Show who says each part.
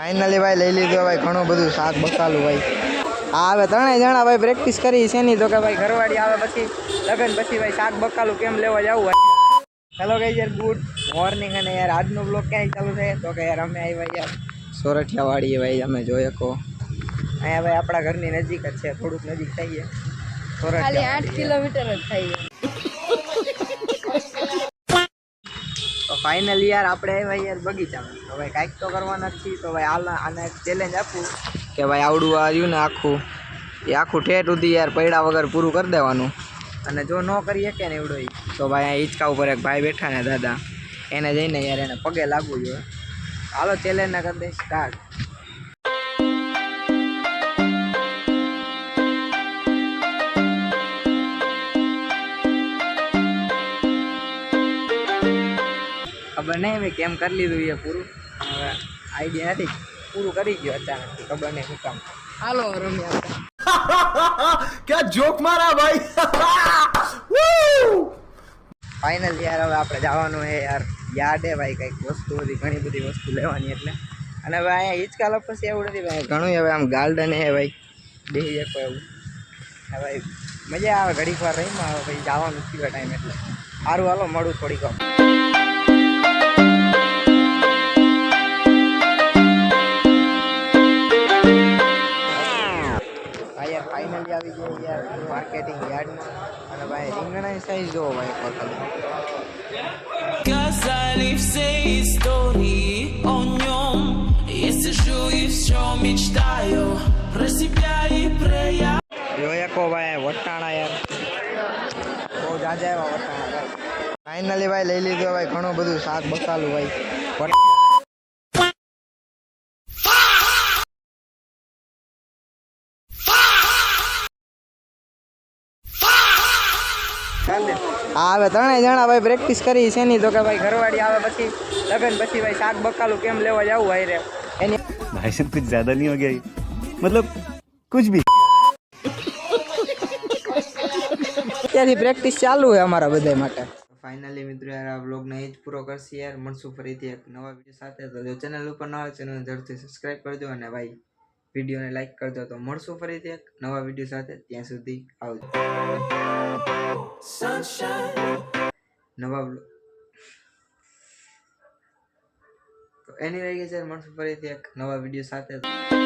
Speaker 1: Finally ભાઈ લઈ લીધું ભાઈ ઘણું બધું શાક બકાલું ભાઈ. હા હવે ત્રણેય જણા ભાઈ પ્રેક્ટિસ કરી છે નહીં તો કે ભાઈ ઘરવાળી આવે પછી લગન પછી ભાઈ શાક બકાલું કેમ લેવા જવું હોય. હેલો ગાઈસ યાર, ગુડ મોર્નિંગ. અને યાર આજનો બ્લોગ ક્યાંય ચાલુ થાય તો કે યાર અમે આવ્યા યાર સોરઠિયા વાડીએ ભાઈ. અમે જોઈએ કહો અહીંયા ભાઈ આપણા ઘરની નજીક જ છે, થોડુંક નજીક થઈએ. સોરઠિયા 8 કિલોમીટર જ થાય. તો ફાઇનલી યાર આપણે આવ્યા યાર બગીચામાં. તો ભાઈ કાંઈક તો કરવાના જ છીએ. તો ભાઈ આને એક ચેલેન્જ આપું કે ભાઈ આવડું આવ્યું ને આખું ઠેઠ સુધી યાર પૈડા વગર પૂરું કરી દેવાનું. અને જો ન કરી શકે ને એવડો તો ભાઈ અહીંયા હિંચકા ઉપર એક ભાઈ બેઠા ને દાદા, એને જઈને યાર એને પગે લાગવું જોઈએ. હાલો ચેલેન્જ ના કરી દે સ્ટાર્ટ. ખબર નહીં મેં કેમ કરી લીધું એ પૂરું, હવે આઈડિયા નથી. પૂરું કરી ગયો અચાનક, ખબર નહીં શું કામ. હાલો રમ્યા.
Speaker 2: क्या जोक मारा भाई.
Speaker 1: ફાઇનલ યાર હવે આપણે જવાનું છે યાર યાદ હે ભાઈ કંઈક વસ્તુ બધી ઘણી બધી વસ્તુ લેવાની એટલે. અને હવે અહીંયા હિંચકા લપસી એવું નથી ભાઈ, ઘણું હવે આમ ગાર્ડન હે ભાઈ, બેસી શકો એવું. હા ભાઈ મજા આવે ઘડીક વાર રહીમાં. હવે ભાઈ જવાનું થયું ટાઈમ એટલે સારું હાલો મળું થોડીક વાર. ફાઇનલી આવી ગયો યાર માર્કેટિંગ યાર્ડમાં. અને ભાઈ રીંગણાની સાઈઝ જોવો ભાઈ એક વખત.
Speaker 3: Сказали все истории о нем. Я сижу и все мечтаю про себя и про я.
Speaker 1: જોયા કો ભાઈ વટાણા યાર બહુ જાજા એવા વટાણા ભાઈ. ફાઇનલી ભાઈ લઈ લીધું ભાઈ ઘણું બધું શાક બકાલું ભાઈ. હા હવે ત્રણેય જણા ભાઈ પ્રેક્ટિસ કરી છે નહીં તો કે ભાઈ ઘરવાળી આવે પછી લગન પછી ભાઈ શાક બકાલું કેમ લેવા જવું હોય રે એની.
Speaker 2: भाई साहब कुछ ज्यादा नहीं हो गया ये? मतलब कुछ भी.
Speaker 1: ત્યાંથી પ્રેક્ટિસ ચાલુ હોય અમારા બધા માટે. ફાઇનલી મિત્રો યાર આ વ્લોગને એ જ પૂરો કરશે યાર. મળશું ફરીથી એક નવા વિડીયો સાથે. તો જો ચેનલ ઉપર ન હોય ચેનલને ઝડપથી સબસ્ક્રાઈબ કરજો અને ભાઈ વિડીયોને લાઈક કરજો. તો મળશું ફરીથી એક નવા વિડીયો સાથે. ત્યાં સુધી આવજો. નવા તો એની રહી ગઈ છે. મળશું ફરીથી એક નવા વિડીયો સાથે.